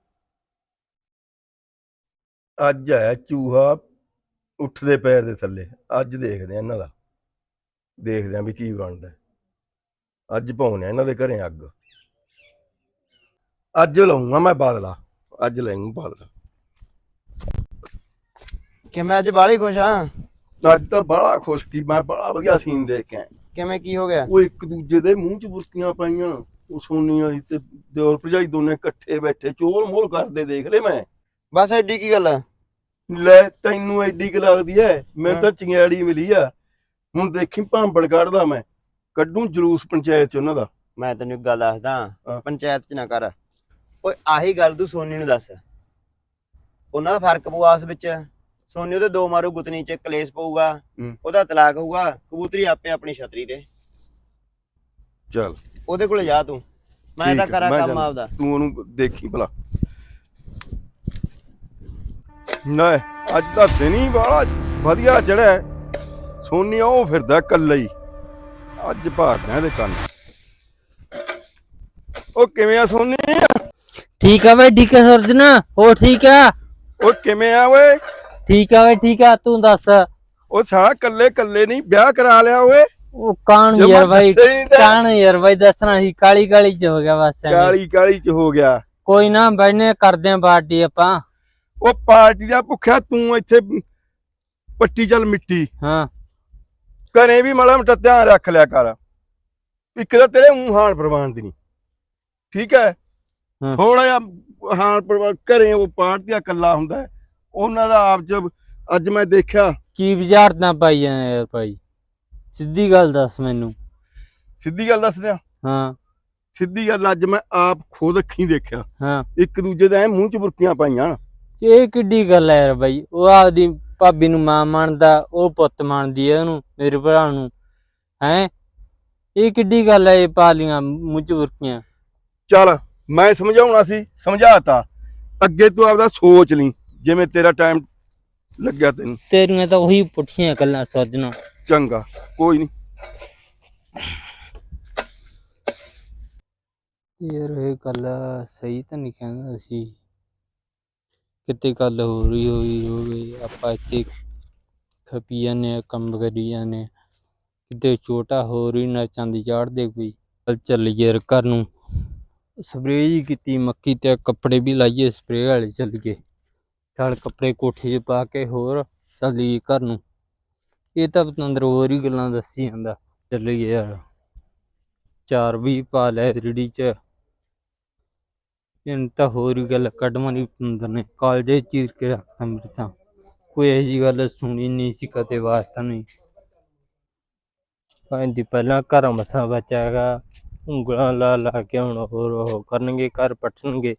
S5: ਅੱਜ ਆਇਆ ਚੂਹਾ ਉੱਠਦੇ ਪੈਰ ਦੇ ਥੱਲੇ। ਅੱਜ ਦੇਖਦੇ ਆ ਇਹਨਾਂ ਦਾ, ਦੇਖਦੇ ਆ ਵੀ ਕੀ ਬਣਦਾ। ਅੱਜ ਪਾਉਣੇ ਆ ਇਹਨਾਂ ਦੇ ਘਰੇ ਅੱਗ। ਅੱਜ ਲਾਉਂਗਾ ਮੈਂ ਬਾਦਲਾ, ਅੱਜ ਲਾਉਂਗਾ ਬਾਦਲਾ।
S4: ਕਿਵੇਂ ਅੱਜ ਬਾਹਲੀ ਖੁਸ਼ ਆ?
S5: ਅੱਜ ਤਾਂ ਬੜਾ ਖੁਸ਼ ਕੀ, ਮੈਂ ਬੜਾ ਵਧੀਆ ਸੀਨ ਦੇਖ ਕੇ ਆਇਆ।
S4: ਕਿਵੇਂ ਕੀ ਹੋ ਗਿਆ?
S5: ਉਹ ਇੱਕ ਦੂਜੇ ਦੇ ਮੂੰਹ 'ਚ ਬੁਰਕੀਆਂ ਪਾਈਆਂ, ਉਹ ਸੋਨੀ ਵਾਲੀ ਤੇ ਦਿਓਰ ਭਰਜਾਈ ਦੋਨੇ ਇਕੱਠੇ ਬੈਠੇ ਚੋਲ ਮੋਲ ਕਰਦੇ ਦੇਖ ਲਏ ਮੈਂ।
S4: ਬਸ ਐਡੀ ਕੀ ਗੱਲ ਆ?
S5: ਲੈ ਤੈਨੂੰ ਐਡੀ ਕੁ ਲੱਗਦੀ ਐ, ਮੈਨੂੰ ਤਾਂ ਚੰਗਿਆੜੀ ਮਿਲੀ ਆ। ਹੁਣ ਦੇਖੀ ਭਾਂਬੜ ਕੱਢਦਾ ਮੈਂ, ਕੱਢੂ ਜਲੂਸ ਪੰਚਾਇਤ 'ਚ ਉਹਨਾਂ ਦਾ।
S4: ਮੈਂ ਤੈਨੂੰ ਇੱਕ ਗੱਲ ਦੱਸਦਾ,
S5: ਹਾਂ।
S4: ਪੰਚਾਇਤ 'ਚ ਨਾ ਕਰ। ਓਏ ਆਹੀ ਗੱਲ ਤੂੰ ਸੋਨੀ ਨੂੰ ਦੱਸ, ਉਹਨਾਂ ਦਾ ਫਰਕ ਪਊ ਆਪਸ ਵਿੱਚ। ਸੋਨੀ ਉਹਦੇ ਦੋ ਮਾਰੂ ਗੁੱਤਨੀ 'ਚ ਕਲੇਸ਼ ਪਊਗਾ,
S5: ਹੂੰ।
S4: ਉਹਦਾ ਤਲਾਕ ਹੋਊਗਾ, ਕਬੂਤਰੀ ਆਪੇ ਆਪਣੀ ਛਤਰੀ ਤੇ।
S5: ਚੱਲ
S4: ਉਹਦੇ ਕੋਲੇ ਜਾ ਤੂੰ, ਮੈਂ
S5: ਠੀਕ
S4: ਤਾਂ
S5: ਹੈ,
S4: ਕਰਾਂ
S5: ਮੈਂ
S4: ਕੰਮ
S5: ਜਾਨਾ।
S4: ਆਪਦਾ।
S5: ਤੂੰ ਉਹਨੂੰ ਦੇਖੀ ਭਲਾ। ਨਾ ਅੱਜ ਤਾਂ ਦਿਨ ਹੀ ਬੜਾ ਵਧੀਆ ਚੜਿਆ। ਸੋਨੀ ਉਹ ਫਿਰਦਾ ਇਕੱਲਾ ਹੀ, ਅੱਜ ਭਾਗਦਾ ਇਹਦੇ ਕੰਨ। ਉਹ ਕਿਵੇਂ ਆ ਸੋਨੀ?
S2: ਠੀਕ ਆ ਬਈ, ਠੀਕ ਆ ਸੁਰਜਨ, ਹੋ ਠੀਕ ਆ?
S5: ਉਹ ਕਿਵੇਂ ਆ ਓਏ?
S2: ਠੀਕ ਆ ਬਈ, ਠੀਕ ਆ, ਤੂੰ ਦੱਸ।
S5: ਉਹ ਸਾਲਾ ਕੱਲੇ ਕੱਲੇ ਨਹੀਂ ਵਿਆਹ ਕਰਾ ਲਿਆ ਓਏ।
S2: ਉਹ ਕਾਣ
S5: ਜੇ
S2: ਯਾਰ
S5: ਮੈਂ
S2: ਬਾਈ,
S5: ਦੱਸਿਆ ਹੀ ਤਾਂ।
S2: ਕਾਣ ਯਾਰ ਬਾਈ, ਦੱਸਣਾ ਸੀ, ਕਾਲੀ ਕਾਲੀ ਚ ਹੋ ਗਿਆ ਬਸ ਐਵੇਂ।
S5: ਕਾਲੀ ਕਾਲੀ ਚ ਹੋ ਗਿਆ।
S2: ਕੋਈ ਨਾ ਬੈਨੇ ਕਰਦੇ ਆਂ ਪਾਰਟੀ ਆਪਾਂ।
S5: ਉਹ ਪਾਰਟੀ ਦਾ ਭੁੱਖਿਆ ਤੂੰ ਇੱਥੇ ਪੱਟੀ ਚੱਲ ਮਿੱਟੀ।
S2: ਹਾਂ,
S5: ਘਰੇ ਵੀ ਮਾੜਾ ਮੋਟਾ ਧਿਆਨ ਰੱਖ ਲਿਆ ਕਰ। ਇੱਕ ਤਾਂ ਤੇਰੇ ਊਂ ਹਾਨ ਪ੍ਰਵਾਨ ਦੀ ਨਹੀਂ, ਠੀਕ ਹੈ?
S2: ਹਾਂ।
S5: ਥੋੜਾ ਜਿਹਾ ਹਾਨ ਪ੍ਰਵਾਨ ਘਰੇ ਉਹ ਪਾਰਟੀ ਦਾ ਇਕੱਲਾ ਹੁੰਦਾ ਹੈ। ਉਹਨਾਂ ਦਾ ਆਪ ਜਬ ਅੱਜ ਮੈਂ ਦੇਖਿਆ।
S2: ਕੀ ਵਿਚਾਰਤਾਂ ਪਾਈ ਜਾਂਦੇ ਯਾਰ ਭਾਈ, ਸਿੱਧੀ ਗੱਲ ਦੱਸ ਮੈਨੂੰ।
S5: ਸਿੱਧੀ ਗੱਲ ਦੱਸ ਦਿਆਂ,
S2: ਹਾਂ
S5: ਸਿੱਧੀ ਗੱਲ ਅੱਜ ਮੈਂ ਆਪ ਖੁਦ ਅੱਖੀਂ ਦੇਖਿਆ।
S2: ਹਾਂ,
S5: ਇੱਕ ਦੂਜੇ ਦੇ ਐਂ ਮੂੰਹ ਚ ਬੁਰਕੀਆਂ ਪਾਈਆਂ।
S2: ਇਹ ਕਿੱਡੀ ਗੱਲ ਹੈ ਯਾਰ ਬਾਈ? ਉਹ ਆਪਦੀ ਭਾਬੀ ਨੂੰ ਮਾਂ ਮੰਨਦਾ, ਉਹ ਪੁੱਤ ਮੰਨਦੀ ਹੈ ਉਹਨੂੰ, ਮੇਰੇ ਭਰਾ ਨੂੰ। ਹੈਂ, ਇਹ ਕਿੱਡੀ ਗੱਲ ਹੈ? ਇਹ ਪਾ ਲੀਆਂ ਮੂੰਹ ਚ ਬੁਰਕੀਆਂ।
S5: ਚੱਲ ਮੈਂ ਸਮਝਾਉਣਾ ਸੀ, ਸਮਝਾਤਾ। ਅੱਗੇ ਤੂੰ ਆਪਦਾ ਸੋਚ ਲਈ, ਜਿਵੇਂ ਤੇਰਾ ਟਾਈਮ ਲੱਗਿਆ ਤੈਨੂੰ।
S2: ਤੇਰੀਆਂ ਤਾਂ ਉਹੀ ਪੁੱਠੀਆਂ ਗੱਲਾਂ ਸੁਰਜਣਾ।
S5: ਚੰਗਾ, ਕੋਈ ਨਹੀਂ।
S2: ਯਾਰ ਇਹ ਗੱਲ ਸਹੀ ਤਾਂ ਨਹੀਂ ਕਹਿੰਦਾ ਸੀ, ਕਿਤੇ ਗੱਲ ਹੋ ਰਹੀ ਹੋਈ ਹੋਵੇ, ਆਪਾਂ ਇੱਥੇ ਖਪੀ ਜਾਂਦੇ ਹਾਂ, ਕੰਮ ਕਰੀ ਜਾਂਦੇ ਹਾਂ, ਕਿਤੇ ਛੋਟਾ ਹੋ ਰਹੀ ਨਾ ਚਾਂਦੀ ਚਾੜਦੇ ਕੋਈ। ਚੱਲ ਚੱਲੀਏ ਯਾਰ ਘਰ ਨੂੰ। ਸਪਰੇਅ ਜੀ ਕੀਤੀ ਮੱਕੀ ਤੇ, ਕੱਪੜੇ ਵੀ ਲਾਈਏ ਸਪਰੇਅ ਵਾਲੇ। ਚੱਲੀਏ, ਚੱਲ ਕੱਪੜੇ ਕੋਠੇ 'ਚ ਪਾ ਕੇ ਹੋਰ ਚੱਲੀਏ ਘਰ ਨੂੰ। ਇਹ ਤਾਂ ਪਤੰਦਰ ਹੋਰ ਹੀ ਗੱਲਾਂ ਦੱਸੀ ਜਾਂਦਾ। ਚੱਲੀਏ ਯਾਰ, ਚਾਰ ਵੀ ਪਾ ਲੈ ਰੇੜੀ ਚ। ਇਹਨ ਤਾਂ ਹੋਰ ਹੀ ਗੱਲ ਕੱਢਵਾਂ ਨਹੀਂ ਪਤੰਦਰ ਨੇ, ਕਾਲਜੇ ਚੀਰ ਕੇ ਰੱਖਤਾ ਮੇਰੇ ਤਾਂ। ਕੋਈ ਇਹੋ ਜਿਹੀ ਗੱਲ ਸੁਣੀ ਨਹੀਂ ਸੀ ਕਦੇ ਵਾਸਤਾ ਨਹੀਂ। ਕਹਿੰਦੀ ਪਹਿਲਾਂ ਘਰ ਮਸਾਂ ਬਚਾਗਾ, ਉਂਗਲਾਂ ਲਾ ਲਾ ਕੇ ਹੁਣ ਹੋਰ ਉਹ ਕਰਨਗੇ, ਘਰ ਪੱਟਣਗੇ।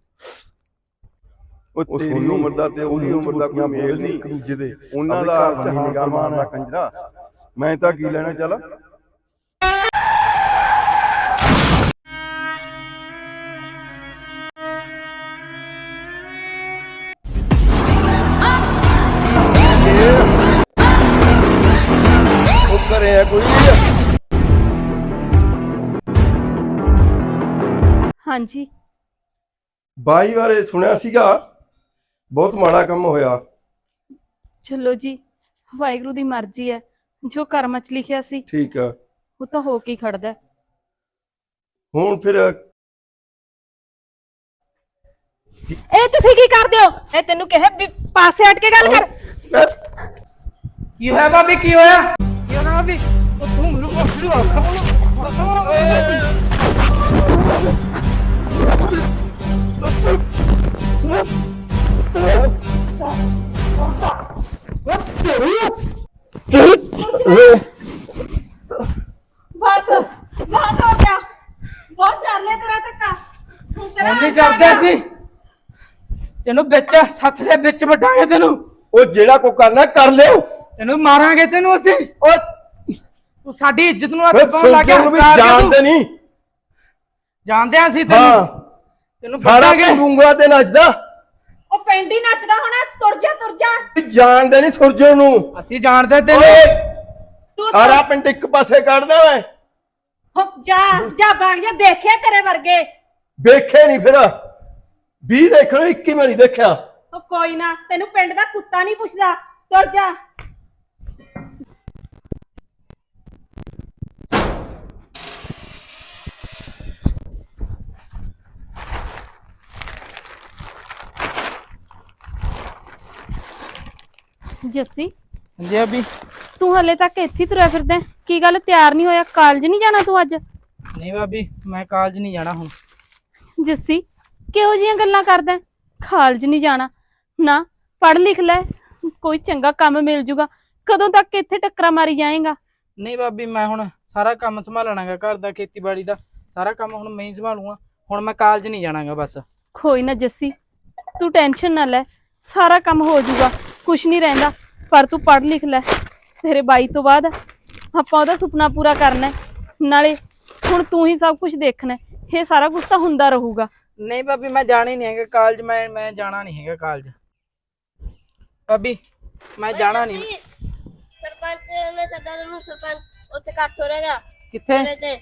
S5: ਉਹ ਤੇਰੀ ਉਮਰ ਦਾ ਤੇ ਉਹਦੀ ਉਮਰ ਦਾ ਕੋਈ ਮੇਲ ਨਹੀਂ ਇੱਕ ਦੂਜੇ ਦੇ। ਉਹਨਾਂ ਦਾ ਨਿਗਾਹ ਮਾਰਨਾ ਕੰਜਰਾ, ਮੈਂ ਤਾਂ ਕੀ ਲੈਣਾ। ਚੱਲ ਉਹ ਕਰੇ ਆ ਕੋਈ।
S1: ਹਾਂਜੀ
S5: ਬਾਈ ਬਾਰੇ ਸੁਣਿਆ ਸੀਗਾ, ਬਹੁਤ ਮਾੜਾ ਕੰਮ ਹੋਇਆ।
S1: ਚਲੋ ਜੀ, ਵਾਹਿਗੁਰੂ ਦੀ ਮਰਜ਼ੀ ਹੈ, ਜੋ ਕਰਮਾਂ 'ਚ ਲਿਖਿਆ ਸੀ
S5: ਠੀਕ ਆ,
S1: ਉਹ ਤਾਂ ਹੋ ਕੇ ਹੀ ਖੜਦਾ ਹੈ।
S5: ਹੁਣ ਫਿਰ
S1: ਇਹ ਤੁਸੀਂ ਕੀ ਕਰਦੇ ਹੋ? ਇਹ ਤੈਨੂੰ ਕਿਹਾ ਵੀ ਪਾਸੇ ਹਟ ਕੇ ਗੱਲ ਕਰ।
S3: ਕੀ ਹੋਇਆ ਭਾਬੀ, ਕੀ ਹੋਇਆ? ਕੀ ਹੋਇਆ ਭਾਬੀ? ਉਹ ਤੂੰ ਮੈਨੂੰ ਪਕੜੂ ਆ।
S1: ਬਸ ਬਹੁਤ ਹੋ ਗਿਆ, ਬਹੁਤ ਚੱਲ ਲਿਆ ਤੇਰਾ ਧੱਕਾ। ਹੁਣ ਤੇਰਾ
S3: ਨਹੀਂ ਕਰਦੇ ਸੀ ਤੈਨੂੰ ਵਿੱਚ ਸੱਤ ਦੇ ਵਿੱਚ ਵਟਾਂਗੇ ਤੈਨੂੰ।
S5: ਉਹ ਜਿਹੜਾ ਕੋ ਕਰਨਾ ਕਰ ਲਿਓ।
S3: ਤੈਨੂੰ ਮਾਰਾਂਗੇ ਤੈਨੂੰ ਅਸੀਂ।
S5: ਉਹ
S3: ਤੂੰ ਸਾਡੀ ਇੱਜ਼ਤ ਨੂੰ ਹੱਥ
S5: ਫਿਰ
S3: ਪਾਉਣ ਲੱਗ ਗਿਆ।
S5: ਸੁਲਝਣ ਨੂੰ ਵੀ
S3: ਹੰਕਾਰ ਕੇ
S5: ਜਾਣਦੇ
S3: ਤੂੰ।
S5: ਨਹੀਂ।
S3: ਜਾਣਦੇ ਆ ਅਸੀਂ
S5: ਹਾਂ,
S3: ਤੈਨੂੰ। ਤੈਨੂੰ
S5: ਸਾਰਾ
S3: ਵੱਢਾਂਗੇ।
S5: ਉਂਗਲਾਂ ਤੇ ਨੱਚਦਾ।
S1: ਉਹ ਪਿੰਡ ਹੀ ਨੱਚਦਾ ਹੋਣਾ। ਤੁਰ ਜਾ ਤੁਰ ਜਾ।
S5: ਜਾਣਦੇ ਨਹੀਂ ਸੁਰਜਣ ਨੂੰ।
S3: ਅਸੀਂ ਜਾਣਦੇ
S5: ਓਏ
S3: ਤੈਨੂੰ।
S1: ਤੂੰ
S5: ਸਾਰਾ ਪਿੰਡ ਇੱਕ ਪਾਸੇ ਕੱਢਦਾ ਮੈਂ।
S1: ਹੋ ਜਾ ਜਾ ਭਾਗ ਜਾ, ਦੇਖਿਆ ਤੇਰੇ ਵਰਗੇ।
S5: ਵੇਖੇ ਨਹੀਂ ਫਿਰ ਵੀਹ ਦੇਖਣ ਇੱਕੀ ਮੈਂ ਨਹੀਂ ਦੇਖਿਆ।
S1: ਉਹ ਕੋਈ ਨਾ, ਤੈਨੂੰ ਪਿੰਡ ਦਾ ਕੁੱਤਾ ਨਹੀਂ ਪੁੱਛਦਾ। ਤੁਰ ਜਾ। ਜੱਸੀ,
S3: ਹਾਂਜੀ ਅਭੀ।
S1: ਤੂੰ ਹਲੇ ਤੱਕ ਇੱਥੇ ਹੀ ਤੁਰਿਆ ਫਿਰਦਾ ਹੈ? ਕੀ ਗੱਲ, ਤਿਆਰ ਨਹੀਂ ਹੋਇਆ? ਕਾਲਜ ਨਹੀਂ ਜਾਣਾ ਤੂੰ ਅੱਜ?
S3: ਨਹੀਂ ਭਾਬੀ, ਮੈਂ ਕਾਲਜ ਨਹੀਂ ਜਾਣਾ ਹੁਣ।
S1: ਜੱਸੀ, ਕਿਹੋ ਜਿਹੀਆਂ ਗੱਲਾਂ ਕਰਦਾ ਹੈ? ਕਾਲਜ ਨਹੀਂ ਜਾਣਾ ਨਾ, ਪੜ੍ਹ ਲਿਖ ਲੈ, ਕੋਈ ਚੰਗਾ ਕੰਮ ਮਿਲ ਜੂਗਾ। ਕਦੋਂ ਤੱਕ ਇੱਥੇ ਟੱਕਰਾਂ ਮਾਰੀ ਜਾਏਗਾ?
S3: ਨਹੀਂ ਭਾਬੀ, ਮੈਂ ਹੁਣ ਸਾਰਾ ਕੰਮ ਸੰਭਾਲਣਾਗਾ, ਘਰ ਦਾ, ਖੇਤੀਬਾੜੀ ਦਾ ਸਾਰਾ ਕੰਮ ਹੁਣ ਮੈਂ ਹੀ ਸੰਭਾਲੂਗਾ। ਹੁਣ ਮੈਂ ਕਾਲਜ ਨਹੀਂ ਜਾਣਾਗਾ ਬਸ।
S1: ਕੋਈ ਨਾ ਜੱਸੀ, ਤੂੰ ਟੈਨਸ਼ਨ ਨਾ ਲੈ, ਸਾਰਾ ਕੰਮ ਹੋ ਜੂਗਾ, ਕੁਛ ਨਹੀਂ ਰਹਿੰਦਾ। ਪਰ ਤੂੰ ਪੜ੍ਹ ਲਿਖ ਲੈ, ਤੇਰੇ ਬਾਈ ਤੋਂ ਬਾਅਦ ਆਪਾਂ ਉਹਦਾ ਸੁਪਨਾ ਪੂਰਾ ਕਰਨਾ ਹੈ। ਨਾਲੇ ਹੁਣ ਤੂੰ ਹੀ ਸਭ ਕੁਝ ਦੇਖਣਾ ਹੈ। ਇਹ ਸਾਰਾ ਕੁਝ ਤਾਂ ਹੁੰਦਾ ਰਹੂਗਾ।
S3: ਨਹੀਂ ਭਾਬੀ, ਮੈਂ ਜਾਣਾ ਹੀ ਨਹੀਂ ਹੈਗਾ ਕਾਲਜ। ਮੈਂ ਮੈਂ ਜਾਣਾ ਨਹੀਂ ਹੈਗਾ ਕਾਲਜ ਭਾਬੀ, ਮੈਂ ਜਾਣਾ ਨਹੀਂ।
S6: ਸਰਪੰਚ ਨੇ ਸੱਦਾ ਤੈਨੂੰ। ਸਰਪੰਚ ਉੱਥੇ ਇਕੱਠ ਹੋ ਰਿਹਾ
S3: ਕਿੱਥੇ?
S6: ਤੇਰੇ ਤੇ।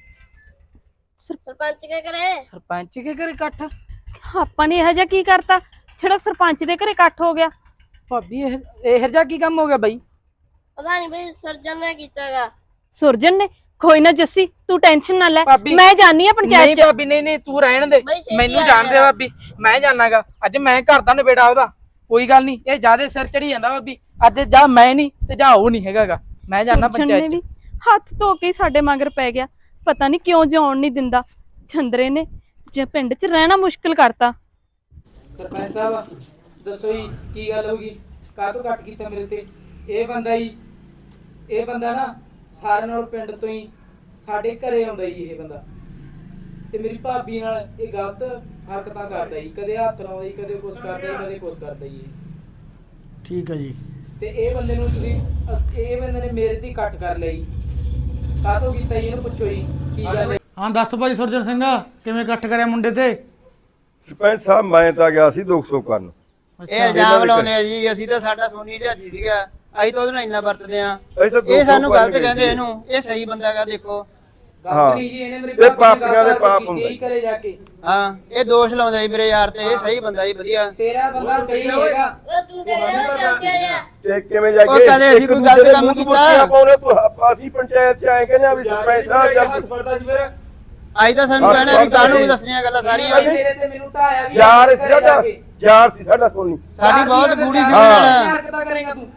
S6: ਸਰਪੰਚ ਕੀ ਕਰੇ?
S3: ਸਰਪੰਚ ਕੇ ਘਰੇ ਇਕੱਠ?
S1: ਆਪਾਂ ਨੇ ਇਹੋ ਜਿਹਾ ਕੀ ਕਰਤਾ ਜਿਹੜਾ ਸਰਪੰਚ ਦੇ ਘਰੇ ਇਕੱਠ ਹੋ ਗਿਆ?
S3: ਭਾਬੀ ਇਹ ਇਹ ਜਿਹਾ ਕੀ ਕੰਮ ਹੋ ਗਿਆ ਬਾਈ?
S6: ਪਤਾ ਨਹੀਂ ਬਈ, ਸਰਜਨ ਨੇ ਕੀਤਾਗਾ।
S1: ਸੁਰਜਨ ਨੇ? ਕੋਈ ਨਾ ਜੱਸੀ, ਤੂੰ ਟੈਨਸ਼ਨ ਨਾ ਲੈ,
S3: ਭਾਬੀ,
S1: ਮੈਂ ਜਾਣੀ ਆ ਪੰਚਾਇਤ
S3: ਨਹੀਂ
S1: ਚ।
S3: ਭਾਬੀ, ਨਹੀਂ ਨਹੀਂ, ਤੂੰ ਰਹਿਣ ਦੇ।
S6: ਬਈ ਛੇਤੀ
S3: ਮੈਨੂੰ
S6: ਆ
S3: ਜਾਣਦੇ
S6: ਜਾ।
S3: ਭਾਬੀ, ਮੈਂ ਜਾਣਾਗਾ ਅੱਜ। ਮੈਂ ਘਰ ਦਾ ਨਵੇੜਾ ਉਹਦਾ। ਕੋਈ ਗੱਲ ਨਹੀਂ, ਇਹ ਜਿਆਦੇ ਸਿਰ ਚੜੀ ਜਾਂਦਾ ਭਾਬੀ। ਅੱਜ ਜਾ ਮੈਂ ਨਹੀਂ ਤੇ ਜਾ ਉਹ ਨਹੀਂ ਹੈਗਾਗਾ। ਮੈਂ ਜਾਣਾ
S1: ਸੁਰਜਣ
S3: ਪੰਚਾਇਤ
S1: ਨੇ
S3: ਚ।
S1: ਵੀ ਹੱਥ ਧੋ ਕੇ ਹੀ ਸਾਡੇ ਮਗਰ ਪੈ ਗਿਆ। ਪਤਾ ਨਹੀਂ ਕਿਉਂ ਜਿਉਣ ਨਹੀਂ ਦਿੰਦਾ। ਚੰਦਰੇ ਨੇ ਜੇ ਪਿੰਡ 'ਚ ਰਹਿਣਾ ਮੁਸ਼ਕਿਲ ਕਰਤਾ।
S3: ਸਰਪੰਚ ਸਾਹਿਬ ਦੱਸੋ ਜੀ, ਕੀ ਗੱਲ ਹੋ ਗਈ? ਕਾਹਤੋਂ ਕੱਟ ਕੀਤਾ ਮੇਰੇ ਤੇ? ਇਹ ਬੰਦਾ ਹੀ ਇਹ ਬੰਦਾ ਨਾ ਸਾਰਿਆਂ ਨਾਲ ਪਿੰਡ ਤੋਂ ਹੀ ਸਾਡੇ ਘਰੇ ਆਉਂਦਾ ਜੀ। ਇਹ ਬੰਦਾ ਤੇ ਮੇਰੀ ਭਾਬੀ ਨਾਲ ਇਹ ਗਲਤ ਹਰਕਤਾਂ ਕਰਦਾ ਜੀ। ਕਦੇ ਹੱਥ ਲਾਉਂਦਾ ਜੀ, ਕਦੇ ਕੁਛ ਕਰਦਾ ਜੀ, ਕਦੇ ਕੁਛ ਕਰਦਾ ਜੀ।
S7: ਠੀਕ ਹੈ ਜੀ।
S3: ਤੇ ਇਹ ਬੰਦੇ ਨੂੰ ਤੁਸੀਂ ਅ- ਇਹ ਬੰਦੇ ਨੇ ਮੇਰੇ ਤੇ ਹੀ ਕੱਟ ਕਰ ਲਈ। ਕਾਹਤੋਂ ਕੀਤਾ ਜੀ? ਇਹਨੂੰ ਪੁੱਛੋ ਜੀ ਕੀ ਗੱਲ ਹੈ।
S7: ਹਾਂ ਦੱਸ ਭਾਈ ਸੁਰਜਨ ਸਿੰਘ, ਕਿਵੇਂ ਇਕੱਠ ਕਰਿਆ ਮੁੰਡੇ ਤੇ?
S5: ਸਰਪੰਚ ਸਾਹਿਬ ਮੈਂ ਤਾਂ ਗਿਆ ਸੀ ਦੋ ਸੌ ਕਰਨ।
S8: ਇਹ ਇਲਜ਼ਾਮ ਲਾਉਂਦੇ ਆ ਜੀ। ਅਸੀਂ ਤਾਂ ਸਾਡਾ ਸੋਨੀ ਢਾਜੀ ਸੀਗਾ, ਅਸੀਂ ਤਾਂ ਉਹਦੇ ਨਾਲ ਇੰਨਾ ਵਰਤਦੇ ਆ।
S5: ਅਸੀਂ ਤਾਂ ਦੋ
S8: ਇਹ
S5: ਸੌ
S8: ਸਾਨੂੰ
S5: ਕਰਨ
S8: ਗਲਤ
S5: ਗਏ
S8: ਕਹਿੰਦੇ
S5: ਸੀ।
S8: ਇਹਨੂੰ। ਇਹ ਸਹੀ ਬੰਦਾ ਹੈਗਾ, ਦੇਖੋ।
S5: ਹਾਂ।
S3: ਗਲਤ ਨਹੀਂ ਜੀ, ਇਹਨੇ ਮੇਰੀ
S5: ਇਹ
S3: ਭਾਬੀ
S5: ਪਾਪੀਆਂ ਦੇ
S3: ਨਾਲ
S5: ਪਾਪ
S3: ਕੀਤੀ
S5: ਹੁੰਦੇ।
S3: ਹੀ ਕਰੇ ਜਾ ਕੇ।
S8: ਹਾਂ, ਇਹ ਦੋਸ਼ ਲਾਉਂਦਾ ਜੀ ਮੇਰੇ ਯਾਰ ਤੇ। ਇਹ ਸਹੀ ਬੰਦਾ ਜੀ, ਵਧੀਆ।
S3: ਤੇਰਾ ਬੰਦਾ ਸਹੀ ਨਹੀਂ ਹੈਗਾ।
S6: ਉਹ ਤੂੰ ਤੇ ਇਹਨੂੰ ਚੱਕਿਆ ਜਾ।
S5: ਤੇ ਕਿਵੇਂ ਜਾ
S8: ਉਹ
S5: ਕੇ
S8: ਕਦੇ ਅਸੀਂ
S5: ਇੱਕ
S8: ਕੋਈ
S5: ਦੂਜੇ
S8: ਗਲਤ
S5: ਦੇ
S8: ਕੰਮ
S5: ਮੂੰਹ 'ਚ
S8: ਕੀਤਾ?
S5: ਬੁਰਕੀਆਂ ਪਾਉਂਦੇ ਤੂੰ। ਅਸੀਂ ਪੰਚਾਇਤ 'ਚ ਆਏ ਕਹਿੰਦੇ ਆ ਵੀ ਸਰਪੰਚ ਸਾਹਿਬ ਜਦ
S8: ਅੱਜ ਤਾਂ ਸਾਨੂੰ ਕਹਿਣਾ ਵੀ ਕਾਹਨੂੰ ਦੱਸਣੀਆਂ ਗੱਲਾਂ ਸਾਰੀਆਂ।
S3: ਭਾਈ ਮੇਰੇ ਤੇ ਮੈਨੂੰ ਢਾਇਆ ਵੀ
S5: ਯਾਰ
S3: ਘਰੇ
S5: ਸੀ
S3: ਜਾ
S5: ਸਾਡਾ
S3: ਕੇ।
S5: ਯਾਰ ਸੀ ਸਾਡਾ ਸੋਨੀ।
S8: ਸਾਡੀ ਬਹੁਤ ਗੂੜੀ ਸੀ
S5: ਹਾਂ।
S8: ਉਹਦੇ ਨਾਲ।
S3: ਹਰਕਤਾਂ ਕਰੇਗਾ ਤੂੰ?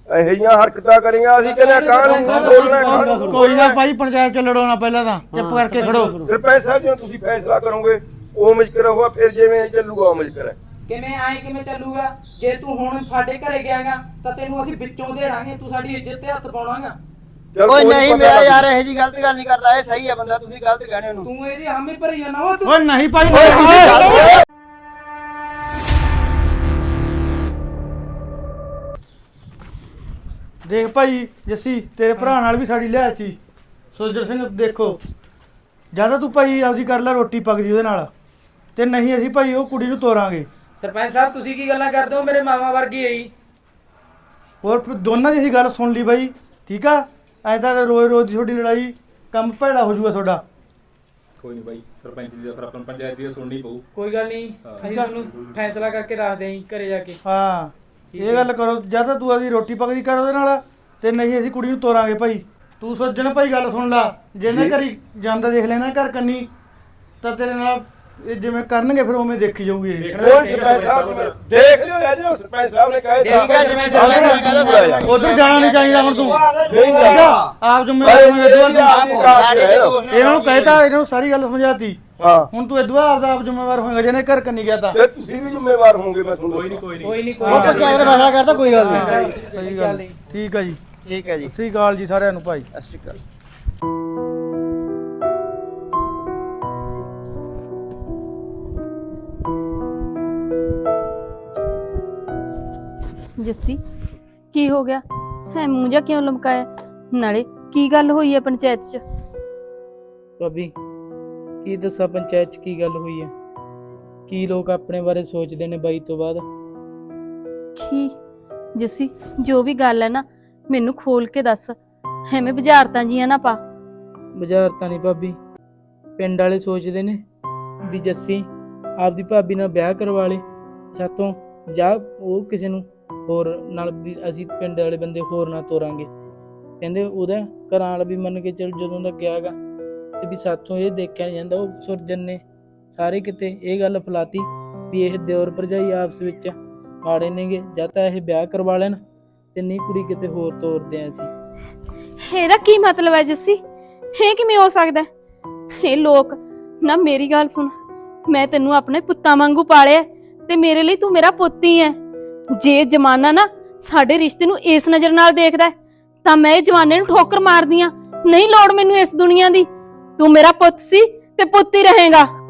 S5: ਇਹੋ ਜਿਹੀਆਂ ਹਰਕਤਾਂ ਕਰੀਆਂ ਅਸੀਂ ਕਹਿੰਦੇ ਕਾਹਨੂੰ ਬੋਲਣਾ ਕਾਹਨੂੰ
S7: ਕੋਈ ਨਾ ਭਾਈ ਪੰਚਾਇਤ ਚ ਲੜੋਣਾ ਪਹਿਲਾਂ ਤਾਂ ਚੁੱਪ ਕਰਕੇ ਖੜੋ।
S5: ਸਰਪੰਚ ਸਾਹਿਬ ਜਦੋਂ ਤੁਸੀਂ ਫੈਸਲਾ ਕਰੋਗੇ ਉਵੇਂ ਹੀ ਕਰੋਗਾ, ਫਿਰ ਜਿਵੇਂ ਚੱਲੂਗਾ ਉਵੇਂ ਹੀ ਕਰੇ।
S3: ਕਿਵੇਂ ਆਏ ਕਿਵੇਂ ਚੱਲੂਗਾ? ਜੇ ਤੂੰ ਹੁਣ ਸਾਡੇ ਘਰੇ ਗਿਆਗਾ ਤਾਂ ਤੈਨੂੰ ਅਸੀਂ ਵਿੱਚੋਂ ਦੇੜਾਂਗੇ, ਤੂੰ ਸਾਡੀ ਇੱਜ਼ਤ ਤੇ ਹੱਥ ਪਾਉਣਾਗਾ।
S5: ਚੱਲ
S8: ਓਏ
S5: ਕੋਈ
S8: ਨਹੀਂ
S5: ਪਤਾ
S8: ਮੇਰਾ
S5: ਲੱਗ
S8: ਯਾਰ ਇਹੋ ਜੀ ਗਲਤ ਗੱਲ ਨਹੀਂ ਕਰਦਾ, ਇਹ ਸਹੀ ਹੈ ਬੰਦਾ, ਤੁਸੀਂ ਗਲਤ ਕਹਿਣੇ ਉਹਨੂੰ।
S3: ਤੂੰ ਇਹਦੀ ਹਾਮੀ ਭਰੀ ਜਾਣਾ ਉਹ ਤੂੰ।
S7: ਓਏ ਨਹੀਂ ਭਾਈ
S5: ਓਏ ਤੁਸੀਂ ਚੱਲ।
S7: ਦੇਖ ਭਾਈ ਜੱਸੀ ਤੇਰੇ ਭਰਾ ਨਾਲ ਵੀ ਸਾਡੀ ਲਿਆ ਸੀ ਸੁਰਜਣ ਸਿੰਘ। ਦੇਖੋ ਜਿਆਦਾ ਤੂੰ ਭਾਈ ਆਪਦੀ ਕਰ ਲੈ ਰੋਟੀ ਪੱਕਦੀ ਉਹਦੇ ਨਾਲ, ਤੇ ਨਹੀਂ ਅਸੀਂ ਭਾਈ ਉਹ ਕੁੜੀ ਨੂੰ ਤੋਰਾਂਗੇ।
S3: ਸਰਪੰਚ ਸਾਹਿਬ ਤੁਸੀਂ ਕੀ ਗੱਲਾਂ ਕਰਦੇ ਹੋ? ਮੇਰੇ ਮਾਮਾ ਵਰਗੀ ਹੈ ਜੀ।
S7: ਹੋਰ ਫਿਰ ਦੋਨਾਂ ਦੀ ਅਸੀਂ ਗੱਲ ਸੁਣ ਲਈ ਬਾਈ, ਠੀਕ ਆ? ਐ ਤਾਂ ਰੋਜ਼ ਰੋਜ਼ ਦੀ ਤੁਹਾਡੀ ਲੜਾਈ ਕੰਮ ਭੈੜਾ ਹੋ ਜਾਊਗਾ ਤੁਹਾਡਾ।
S9: ਕੋਈ ਨਹੀਂ ਬਾਈ, ਸਰਪੰਚ ਦੀ ਤਾਂ ਫਿਰ ਆਪਾਂ ਨੂੰ ਪੰਚਾਇਤ ਦੀ ਤਾਂ ਸੁਣਨੀ ਪਊ।
S3: ਕੋਈ ਗੱਲ ਨਹੀਂ, ਅਸੀਂ ਤੁਹਾਨੂੰ ਫੈਸਲਾ ਕਰਕੇ ਦੱਸਦੇ ਆਂ ਘਰੇ ਜਾ ਕੇ।
S7: ਹਾਂ ਇਹ ਗੱਲ ਕਰੋ, ਜਾਂ ਤਾਂ ਤੂੰ ਆਪਦੀ ਰੋਟੀ ਪੱਕਦੀ ਕਰ ਉਹਦੇ ਨਾਲ, ਤੇ ਨਹੀਂ ਅਸੀਂ ਕੁੜੀ ਨੂੰ ਤੋਰਾਂਗੇ ਭਾਈ। ਤੂੰ ਸੋਚਣ ਭਾਈ ਗੱਲ ਸੁਣ ਲਾ, ਜੇ ਨਾ ਘਰੀ ਜਾਂਦਾ ਦੇਖ ਲੈਣਾ ਘਰ ਕੰਨੀ, ਤਾਂ ਤੇਰੇ ਨਾਲ ਇਹ ਜਿਵੇਂ ਕਰਨਗੇ ਫਿਰ ਉਵੇਂ ਦੇਖੀ ਜਾਊਗੀ ਇਹ।
S5: ਓਏ ਸਰਪੰਚ ਸਾਹਿਬ ਦੇਖ ਲਿਓ ਯਾਰ, ਜਦੋਂ ਸਰਪੰਚ ਸਾਹਿਬ ਨੇ ਕਹੇ
S8: ਠੀਕ ਹੈ, ਜਿਵੇਂ ਸਰਪੰਚ ਨੇ ਕਹਿੰਦਾ
S7: ਉਧਰ ਜਾਣਾ ਨਹੀਂ ਚਾਹੀਦਾ ਹੁਣ ਤੂੰ,
S5: ਨਹੀਂ
S7: ਠੀਕ ਆ? ਆਪ ਜ਼ਿੰਮੇਵਾਰ ਹੋਵੇਂਗਾ ਤੂੰ।
S8: ਸਾਡੇ ਤੇ ਦੋਸਤ ਨੇ
S7: ਇਹਨਾਂ ਨੂੰ ਕਹਿਤਾ, ਇਹਨਾਂ ਨੂੰ ਸਾਰੀ ਗੱਲ ਸਮਝਾਤੀ।
S5: ਹਾਂ
S7: ਹੁਣ ਤੂੰ ਇਦੋਂ ਆਪ ਦਾ ਆਪ ਜ਼ਿੰਮੇਵਾਰ ਹੋਵੇਂਗਾ, ਜਿਹਨੇ ਘਰ ਕੰਨੀ ਗਿਆ ਤਾਂ।
S5: ਤੇ ਤੁਸੀਂ ਵੀ ਜ਼ਿੰਮੇਵਾਰ ਹੋਵੋਗੇ, ਮੈਂ ਤੁਹਾਨੂੰ
S9: ਕੋਈ ਨਹੀਂ ਕੋਈ ਨਹੀਂ
S3: ਕੋਈ ਨਹੀਂ,
S8: ਉਹ ਪੰਚਾਇਤ ਨੇ ਫੈਸਲਾ ਕਰਤਾ, ਕੋਈ ਗੱਲ ਨਹੀਂ।
S7: ਸਹੀ ਗੱਲ, ਠੀਕ ਆ ਜੀ।
S8: ਠੀਕ ਹੈ ਜੀ,
S7: ਸਤਿ ਸ਼੍ਰੀ ਅਕਾਲ ਜੀ ਸਾਰਿਆਂ ਨੂੰ ਭਾਈ।
S8: ਸਤਿ ਸ਼੍ਰੀ ਅਕਾਲ।
S1: ਜੱਸੀ ਕੀ ਹੋ ਗਿਆ ਹੈ? ਮੂੰਹ ਜਾ ਕਿਉਂ ਲਮਕਾਇਆ? ਨਾਲੇ ਕੀ ਗੱਲ ਹੋਈ ਹੈ ਪੰਚਾਇਤ 'ਚ?
S3: ਭਾਬੀ ਕੀ ਦੱਸਾਂ ਪੰਚਾਇਤ 'ਚ ਕੀ ਗੱਲ ਹੋਈ ਹੈ? ਕੀ ਲੋਕ ਆਪਣੇ ਬਾਰੇ ਸੋਚਦੇ ਨੇ ਬਾਈ ਤੋਂ ਬਾਅਦ?
S1: ਕੀ ਜੱਸੀ ਜੋ ਵੀ ਗੱਲ ਹੈ ਨਾ ਮੈਨੂੰ ਖੋਲ ਕੇ ਦੱਸ, ਐਵੇਂ ਬੁਝਾਰਤਾਂ ਜੀਆਂ ਨਾ ਪਾ।
S3: ਬੁਝਾਰਤਾਂ ਨਹੀਂ ਭਾਬੀ, ਪਿੰਡ ਵਾਲੇ ਸੋਚਦੇ ਨੇ ਵੀ ਜੱਸੀ ਆਪਦੀ ਭਾਬੀ ਨਾਲ ਵਿਆਹ ਕਰਵਾ ਲੇ ਸਾਤੋਂ, ਜਾਂ ਉਹ ਕਿਸੇ ਨੂੰ ਹੋਰ ਨਾਲ ਵੀ ਅਸੀਂ ਪਿੰਡ ਵਾਲੇ ਬੰਦੇ ਹੋਰ ਨਾ ਤੋਰਾਂਗੇ। ਕਹਿੰਦੇ ਉਹਦਾ ਘਰਾਂ ਵਾਲਾ ਵੀ ਮੰਨ ਕੇ ਚੱਲ ਜਦੋਂ ਦਾ ਗਿਆ ਗਾ, ਤੇ ਵੀ ਸਾਥੋਂ ਇਹ ਦੇਖਿਆ ਨਹੀਂ ਜਾਂਦਾ। ਉਹ ਸੁਰਜਨ ਨੇ ਸਾਰੇ ਕਿਤੇ ਇਹ ਗੱਲ ਫੈਲਾਤੀ ਵੀ ਇਹ ਦਿਓਰ ਭਰਜਾਈ ਆਪਸ ਵਿੱਚ ਮਾੜੇ ਨੇਗੇ, ਜਾਂ ਤਾਂ ਇਹ ਵਿਆਹ ਕਰਵਾ ਲੈਣ ਤੇ ਨਹੀਂ ਕੁੜੀ ਕਿਤੇ ਹੋਰ ਤੋਰਦੇ ਆਂ ਅਸੀਂ।
S1: ਇਹਦਾ ਕੀ ਮਤਲਬ ਹੈ ਜੱਸੀ? ਇਹ ਕਿਵੇਂ ਹੋ ਸਕਦਾ? ਇਹ ਲੋਕ ਨਾ, ਮੇਰੀ ਗੱਲ ਸੁਣ, ਮੈਂ ਤੈਨੂੰ ਆਪਣੇ ਪੁੱਤਾਂ ਵਾਂਗੂ ਪਾਲਿਆ ਤੇ ਮੇਰੇ ਲਈ ਤੂੰ ਮੇਰਾ ਪੁੱਤ ਹੀ ਹੈ। ਜੇ ਜ਼ਮਾਨਾ ਨਾ ਸਾਡੇ ਰਿਸ਼ਤੇ ਨੂੰ ਇਸ ਨਜ਼ਰ ਨਾਲ ਦੇਖਦਾ ਤਾਂ ਮੈਂ ਇਹ ਜ਼ਮਾਨੇ ਨੂੰ ਠੋਕਰ ਮਾਰਦੀ ਆ। ਨਹੀਂ ਲੋੜ ਮੈਨੂੰ ਇਸ ਦੁਨੀਆ ਦੀ, ਤੂੰ ਮੇਰਾ ਪੁੱਤ ਸੀ ਤੇ ਪੁੱਤ ਹੀ ਰਹੇਗਾ।